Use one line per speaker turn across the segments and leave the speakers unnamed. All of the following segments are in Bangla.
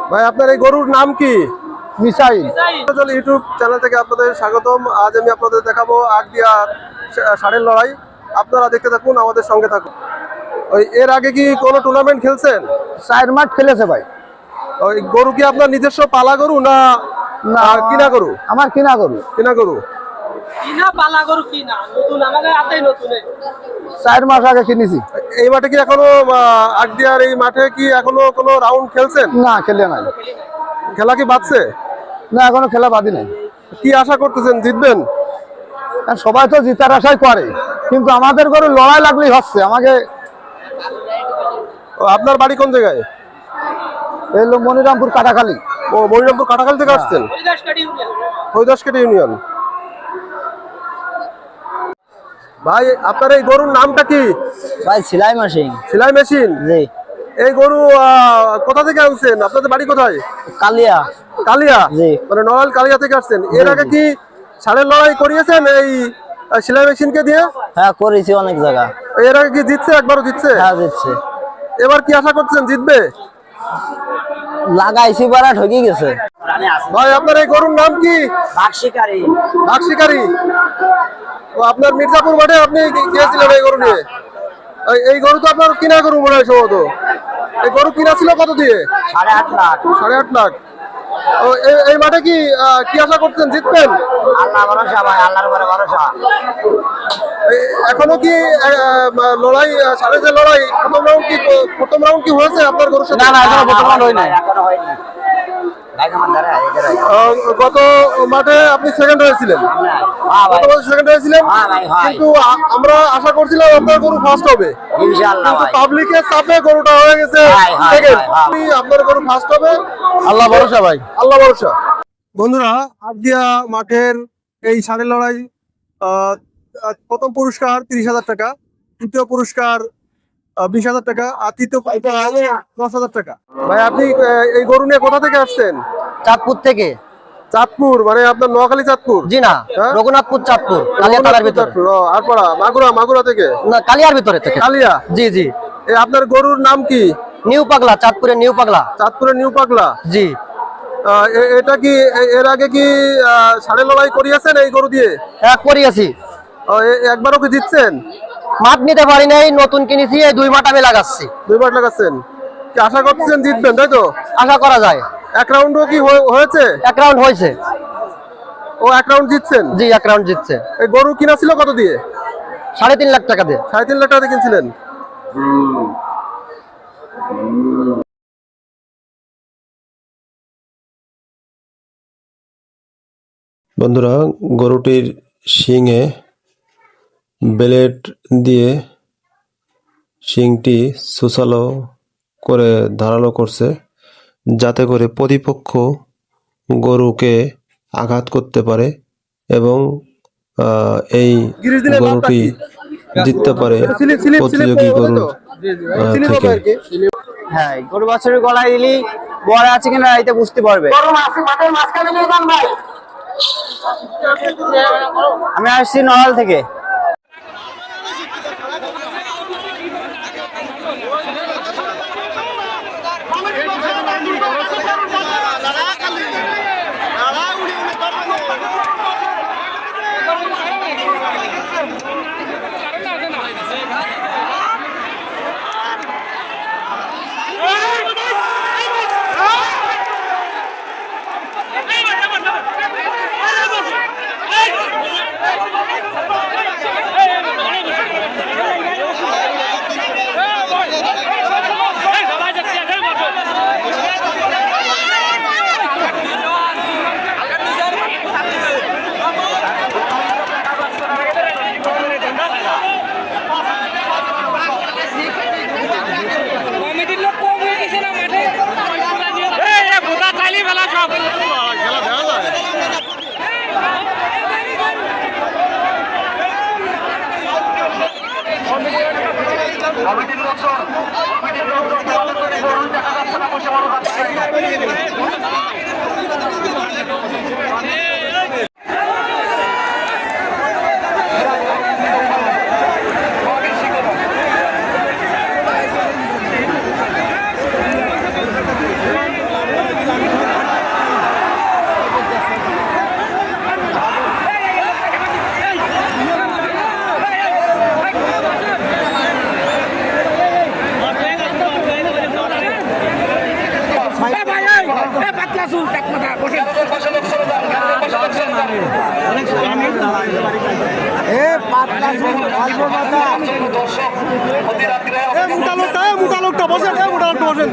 ভাই আপনার এই গরুর নাম কি?
মিসাইল।
ইউটিউব চ্যানেল থেকে আপনাদের স্বাগতম। আজ আমি আপনাদের দেখাবো আগদিয়ার ষাঁড়ের লড়াই। আপনারা দেখতে থাকুন, আমাদের সঙ্গে থাকুন। ওই এর আগে কি কোনো টুর্নামেন্ট খেলছেন?
4 মাঠ খেলেছে ভাই।
ওই গরু কি আপনার নিজস্ব পালা গরু না
না
কিনা গরু?
আমার কিনা গরু।
কিনা গরু।
কিনা পালা গরু কিনা, নতুন আমাদের হাতেই নতুন।
4 মাস আগে কিনেছি।
এই মাঠে কি এখনো আগদিয়ার এই মাঠে কি এখনো কোনো রাউন্ড খেলছেন?
না, খেলে নাই।
খেলা কি বাঁচছে?
না, এখনো খেলা বাদি নাই।
কি আশা করতেছেন, জিতবেন?
সবাই তো জিতার আশাই করে, কিন্তু আমাদের গরু লড়াই লাগলেই হচ্ছে। আমাকে
আপনার বাড়ি কোন জায়গায়?
এই মনিরামপুর কাটাখালী।
ও, মনিরামপুর কাটাখালী থেকে আসছেন? হরিদাসকেটি ইউনিয়ন। ভাই আপনার এই গরুর নামটা কি?
ভাই সেলাই মেশিন।
সেলাই মেশিন।
জি।
এই গরু কোথা থেকে আনছেন? আপনাদের বাড়ি কোথায়?
কালিয়া।
কালিয়া?
জি।
মানে নড়াইল কালিয়া থেকে আসছেন। এর আগে কি ষাঁড়ের লড়াই করিয়েছেন এই সেলাই মেশিনকে দিয়ে?
হ্যাঁ, করেছি অনেক জায়গা।
এর আগে কি জিতছে? একবারও জিতছে?
হ্যাঁ, জিতছে।
এবার কি আশা করছেন, জিতবে?
লাগাইছি বারা ঠকে গেছে।
ভাই আপনার এই গরুর নাম কি?
বাক্সিকারি।
বাক্সিকারি। ও, আপনার মির্জাপুর মাঠে আপনি গিয়েছিলেন এই গরু নিয়ে? এই গরু তো আপনার কিনা গরু মনে হয় সম্ভবত। এই গরু কিনা ছিল কত দিয়ে?
8.5 লাখ।
8.5 লাখ। ও, এই মাঠে কি আশা করছেন, জিতবেন?
আল্লাহ ভরসা ভাই, আল্লাহর উপরে ভরসা।
এখনো কি লড়াই, ষাঁড়ের যে লড়াই, প্রথম রাউন্ড কি হয়েছে আপনার গরুর সাথে?
না, এখনো প্রথম রাউন্ড হয় নাই। এখনো হয়নি।
গত মাঠে আপনি সেকেন্ড হয়েছিলেন। গত মাসে সেকেন্ড হয়েছিলেন, কিন্তু আমরা আশা করছিলাম আপনার গরু ফার্স্ট হবে।
ইনশাআল্লাহ ভাই।
পাবলিকের চাপে গরুটা হয়ে গেছে সেকেন্ড। আপনার গরু ফার্স্ট হবে, আল্লাহ ভরসা ভাই, আল্লাহ ভরসা। বন্ধুরা, আগদিয়া মাঠের এই ষাঁড়ের লড়াই, প্রথম পুরস্কার 30,000 টাকা, দ্বিতীয় পুরস্কার 20,000 টাকা, আর তৃতীয় 10,000 টাকা। ভাই আপনি এই গরু নিয়ে কোথা থেকে আসছেন?
চাঁদপুর থেকে।
চাঁদপুর মানে আপনার নোয়াখালী চাঁদপুর?
জি না, রঘুনাথপুর চাঁদপুর, কালিয়া থানার ভিতরে।
আরপাড়া মাগুরা থেকে?
না, কালিয়ার ভিতরে থেকে।
কালিয়া?
জি জি।
আপনার গরুর নাম কি?
নিউ পাগলা, চাঁদপুরের নিউ পাগলা।
চাঁদপুরের নিউ পাগলা?
জি।
এটা কি এর আগে কি ষাঁড়ের লড়াই করিয়েছেন এই গরু দিয়ে?
হ্যাঁ, করিয়েছি।
একবারও কি জিতছেন?
মাঠ নিতে পারি নাই, নতুন কিনেছি। এই 2 মাঠ আমি লাগাচ্ছি।
2 মাঠ লাগাচ্ছেন। কি আশা করতেছেন জিতবেন, তাই তো?
আশা করা যায়।
এক রাউন্ডও কি হয়েছে?
1 রাউন্ড হয়েছে।
ও, 1 রাউন্ড জিতছেন?
জি, 1 রাউন্ড জিতছে।
এই গরু কিনা ছিল কত দিয়ে?
3.5 লাখ টাকা দিয়ে।
3.5 লাখ টাকা দিয়ে কিনছিলেন? বন্ধুরা, গরুটির শিংয়ে ব্লেড দিয়ে শিংটি সুসালো করে ধারালো করছে, যাতে করে প্রতিপক্ষ গরুকে আঘাত করতে পারে এবং এই গরুটি জিততে পারে প্রতিযোগী গরুর থেকে।
হ্যাঁ, গরু বাছুরের গলায় দিলি বড় আছে কিনা এতে বুঝতে পারবে। আমি আসছি নড়াইল থেকে।
কমিটির লোকজন দেখা যাচ্ছে না, বসে বড় ক্যামেরার পাশে লোক সরে যান, ক্যামেরার পাশে লোক সরে যান। দর্শক মধ্যরাত্রে
মোটা লোকটা বসেন, মোটা লোকটা বসেন।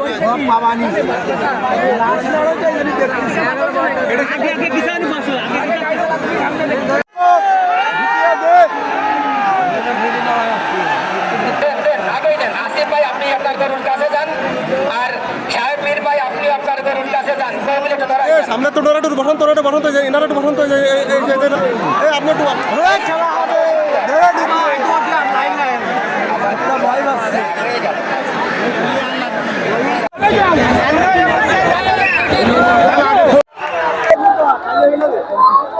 আগেই নেন। আসিফ ভাই আপনি আপনার গরুর কাছে যান, আর সাহেব মীর ভাই আপনি আপনার গরুর কাছে যান। সবাই মিলে একটু ধরা যান।
সামনে তো ডোরা একটু বসন্ত, বসন্ত এনারা একটু বসন্ত আপনি একটু